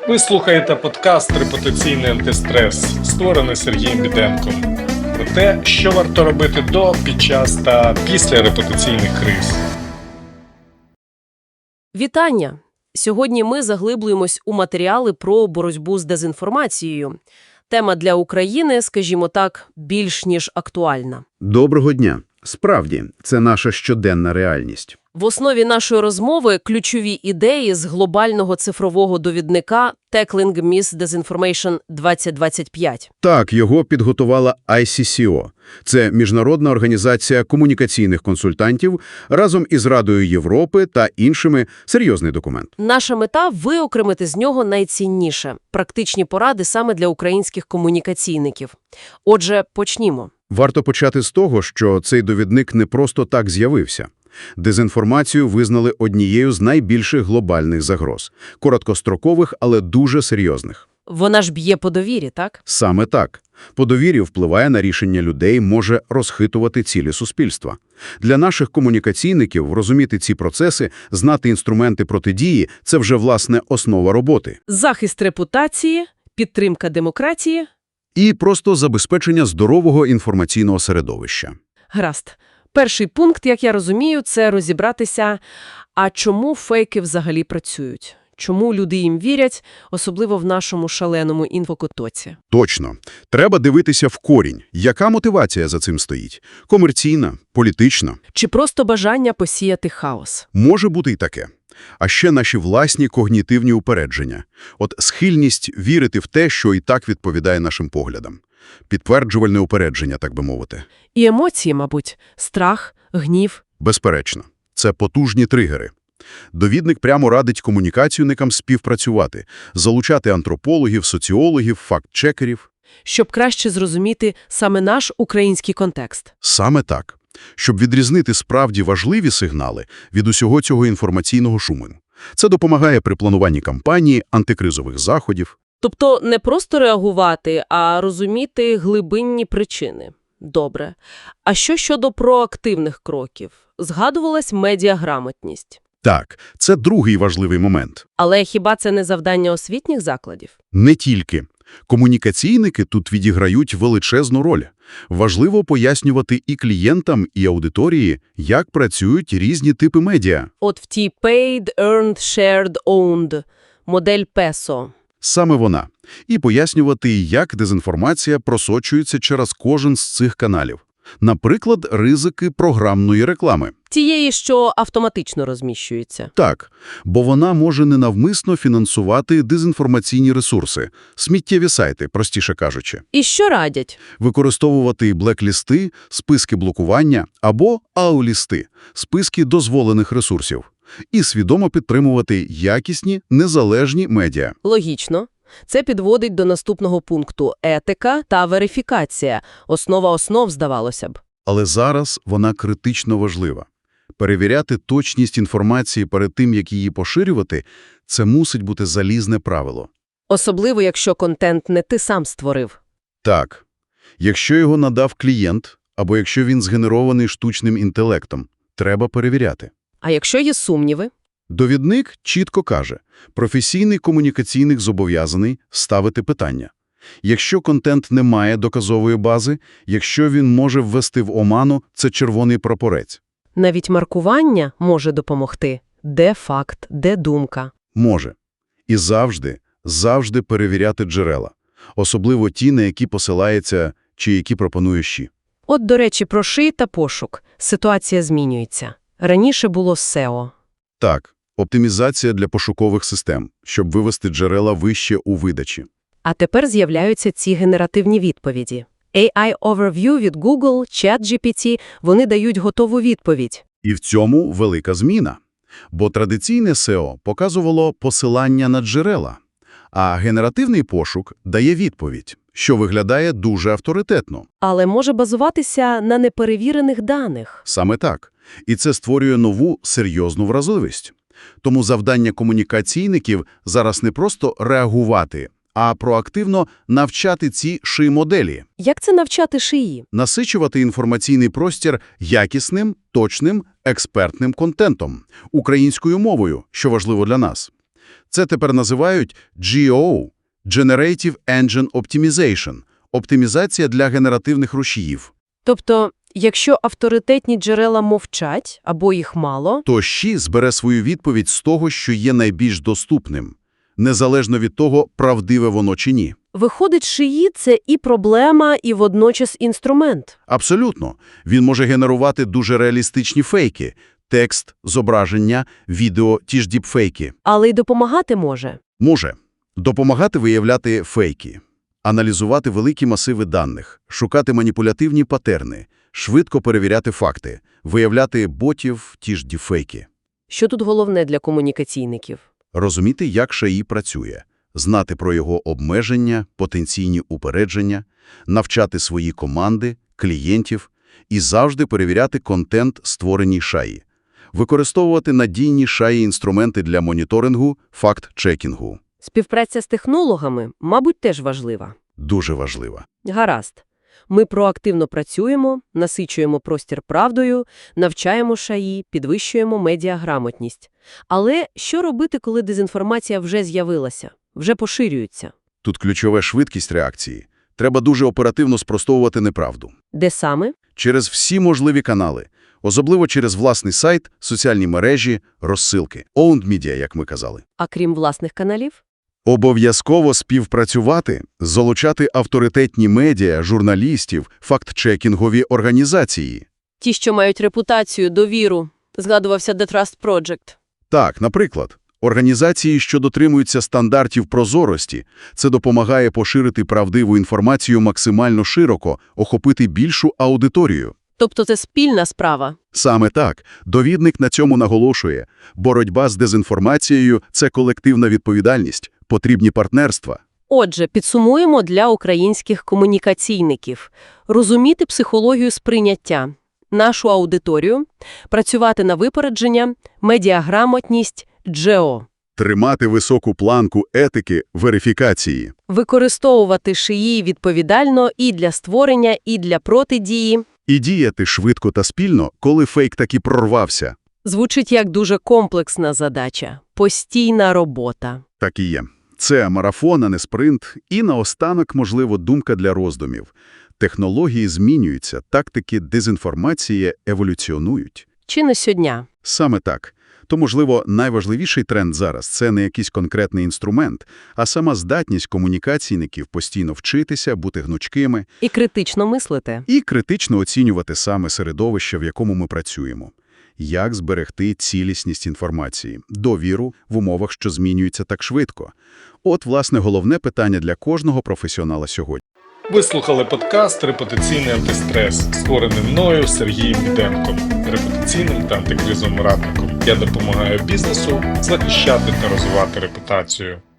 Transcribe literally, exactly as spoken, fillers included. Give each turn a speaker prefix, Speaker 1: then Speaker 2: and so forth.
Speaker 1: Ви слухаєте подкаст «Репутаційний антистрес», створений Сергієм Біденком. Про те, що варто робити до, під час та після репутаційних криз.
Speaker 2: Вітання! Сьогодні ми заглиблюємось у матеріали про боротьбу з дезінформацією. Тема для України, скажімо так, більш ніж актуальна.
Speaker 3: Доброго дня. Справді, це наша щоденна реальність.
Speaker 2: В основі нашої розмови ключові ідеї з глобального цифрового довідника «Tackling Misinformation двадцять двадцять п'ять».
Speaker 3: Так, його підготувала ай сі сі о. Це Міжнародна організація комунікаційних консультантів разом із Радою Європи та іншими. Серйозний документ.
Speaker 2: Наша мета – виокремити з нього найцінніше – практичні поради саме для українських комунікаційників. Отже, почнімо.
Speaker 3: Варто почати з того, що цей довідник не просто так з'явився. Дезінформацію визнали однією з найбільших глобальних загроз. Короткострокових, але дуже серйозних.
Speaker 2: Вона ж б'є по довірі, так?
Speaker 3: Саме так. По довірі впливає на рішення людей, може розхитувати цілі суспільства. Для наших комунікаційників розуміти ці процеси, знати інструменти протидії – це вже, власне, основа роботи.
Speaker 2: Захист репутації, підтримка демократії.
Speaker 3: І просто забезпечення здорового інформаційного середовища.
Speaker 2: Гаразд. Перший пункт, як я розумію, це розібратися, а чому фейки взагалі працюють? Чому люди їм вірять, особливо в нашому шаленому інфокотоці?
Speaker 3: Точно. Треба дивитися в корінь. Яка мотивація за цим стоїть? Комерційна? Політична?
Speaker 2: Чи просто бажання посіяти хаос?
Speaker 3: Може бути і таке. А ще наші власні когнітивні упередження. От схильність вірити в те, що і так відповідає нашим поглядам. Підтверджувальне упередження, так би мовити.
Speaker 2: І емоції, мабуть. Страх, гнів.
Speaker 3: Безперечно. Це потужні тригери. Довідник прямо радить комунікаційникам співпрацювати, залучати антропологів, соціологів, факт-чекерів.
Speaker 2: Щоб краще зрозуміти саме наш український контекст.
Speaker 3: Саме так. Щоб відрізнити справді важливі сигнали від усього цього інформаційного шуму. Це допомагає при плануванні кампанії, антикризових заходів.
Speaker 2: Тобто не просто реагувати, а розуміти глибинні причини. Добре. А що щодо проактивних кроків? Згадувалась медіаграмотність.
Speaker 3: Так, це другий важливий момент.
Speaker 2: Але хіба це не завдання освітніх закладів?
Speaker 3: Не тільки. Комунікаційники тут відіграють величезну роль. Важливо пояснювати і клієнтам, і аудиторії, як працюють різні типи медіа.
Speaker 2: От в тій paid, earned, shared, owned модель песо.
Speaker 3: Саме вона. І пояснювати, як дезінформація просочується через кожен з цих каналів. Наприклад, ризики програмної реклами.
Speaker 2: Тієї, що автоматично розміщується.
Speaker 3: Так, бо вона може ненавмисно фінансувати дезінформаційні ресурси, сміттєві сайти, простіше кажучи.
Speaker 2: І що радять?
Speaker 3: Використовувати блек-лісти, списки блокування або ау-лісти, списки дозволених ресурсів. І свідомо підтримувати якісні, незалежні медіа.
Speaker 2: Логічно. Це підводить до наступного пункту – етика та верифікація. Основа основ, здавалося б.
Speaker 3: Але зараз вона критично важлива. Перевіряти точність інформації перед тим, як її поширювати – це мусить бути залізне правило.
Speaker 2: Особливо, якщо контент не ти сам створив.
Speaker 3: Так. Якщо його надав клієнт, або якщо він згенерований штучним інтелектом, треба перевіряти.
Speaker 2: А якщо є сумніви?
Speaker 3: Довідник чітко каже, професійний комунікаційник зобов'язаний ставити питання. Якщо контент не має доказової бази, якщо він може ввести в оману, це червоний прапорець.
Speaker 2: Навіть маркування може допомогти. Де факт, де думка?
Speaker 3: Може. І завжди, завжди перевіряти джерела. Особливо ті, на які посилається чи які пропонує ЩІ.
Speaker 2: От, до речі, про ШИ та пошук. Ситуація змінюється. Раніше було сео.
Speaker 3: Так, оптимізація для пошукових систем, щоб вивести джерела вище у видачі.
Speaker 2: А тепер з'являються ці генеративні відповіді. ей ай Overview від Google, ChatGPT – вони дають готову відповідь.
Speaker 3: І в цьому велика зміна. Бо традиційне сео показувало посилання на джерела, а генеративний пошук дає відповідь, що виглядає дуже авторитетно.
Speaker 2: Але може базуватися на неперевірених даних.
Speaker 3: Саме так. І це створює нову серйозну вразливість. Тому завдання комунікаційників зараз не просто реагувати, а проактивно навчати ці ши-моделі.
Speaker 2: Як це навчати шиї?
Speaker 3: Насичувати інформаційний простір якісним, точним, експертним контентом, українською мовою, що важливо для нас. Це тепер називають джі о – Generative Engine Optimization – оптимізація для генеративних рушіїв.
Speaker 2: Тобто, якщо авторитетні джерела мовчать або їх мало,
Speaker 3: То ЩІ збере свою відповідь з того, що є найбільш доступним, незалежно від того, правдиве воно чи ні.
Speaker 2: виходить, шиї – це і проблема, і водночас інструмент.
Speaker 3: Абсолютно. Він може генерувати дуже реалістичні фейки – текст, зображення, відео, ті ж діпфейки.
Speaker 2: Але й допомагати може.
Speaker 3: Може допомагати виявляти фейки, аналізувати великі масиви даних, шукати маніпулятивні патерни, швидко перевіряти факти, виявляти ботів, ті ж діпфейки.
Speaker 2: Що тут головне для комунікаційників?
Speaker 3: Розуміти, як ШАІ працює, знати про його обмеження, потенційні упередження, навчати свої команди, клієнтів і завжди перевіряти контент, створеній ШАІ. Використовувати надійні ШАІ-інструменти для моніторингу, факт-чекінгу.
Speaker 2: Співпраця з технологами, мабуть, теж важлива.
Speaker 3: Дуже важливо.
Speaker 2: Гаразд. Ми проактивно працюємо, насичуємо простір правдою, навчаємо ШАІ, підвищуємо медіаграмотність. Але що робити, коли дезінформація вже з'явилася, вже поширюється?
Speaker 3: Тут ключова швидкість реакції. Треба дуже оперативно спростовувати неправду.
Speaker 2: Де саме?
Speaker 3: Через всі можливі канали. Особливо через власний сайт, соціальні мережі, розсилки. Owned media, як ми казали.
Speaker 2: А крім власних каналів?
Speaker 3: Обов'язково співпрацювати, залучати авторитетні медіа, журналістів, факт-чекінгові організації.
Speaker 2: Ті, що мають репутацію, довіру. Згадувався The Trust Project.
Speaker 3: Так, наприклад, організації, що дотримуються стандартів прозорості, це допомагає поширити правдиву інформацію максимально широко, охопити більшу аудиторію.
Speaker 2: Тобто це спільна справа.
Speaker 3: Саме так. Довідник на цьому наголошує. Боротьба з дезінформацією – це колективна відповідальність, потрібні партнерства.
Speaker 2: Отже, підсумуємо для українських комунікаційників. Розуміти психологію сприйняття, нашу аудиторію, працювати на випередження, медіаграмотність, джі о.
Speaker 3: Тримати високу планку етики, верифікації.
Speaker 2: Використовувати ШАІ відповідально і для створення, і для протидії.
Speaker 3: І діяти швидко та спільно, коли фейк таки прорвався.
Speaker 2: Звучить як дуже комплексна задача. Постійна робота.
Speaker 3: Так і є. Це марафон, а не спринт. І наостанок, можливо, думка для роздумів. Технології змінюються, тактики дезінформації еволюціонують.
Speaker 2: Чи не сьогодні?
Speaker 3: Саме так. То, можливо, найважливіший тренд зараз – це не якийсь конкретний інструмент, а сама здатність комунікаційників постійно вчитися, бути гнучкими
Speaker 2: І критично мислити.
Speaker 3: і критично оцінювати саме середовище, в якому ми працюємо. Як зберегти цілісність інформації, довіру в умовах, що змінюються так швидко. От, власне, головне питання для кожного професіонала сьогодні.
Speaker 1: Ви слухали подкаст «Репутаційний антистрес», створений мною Сергієм Біденком, репутаційним та антикризовим радником. Я допомагаю бізнесу захищати та розвивати репутацію.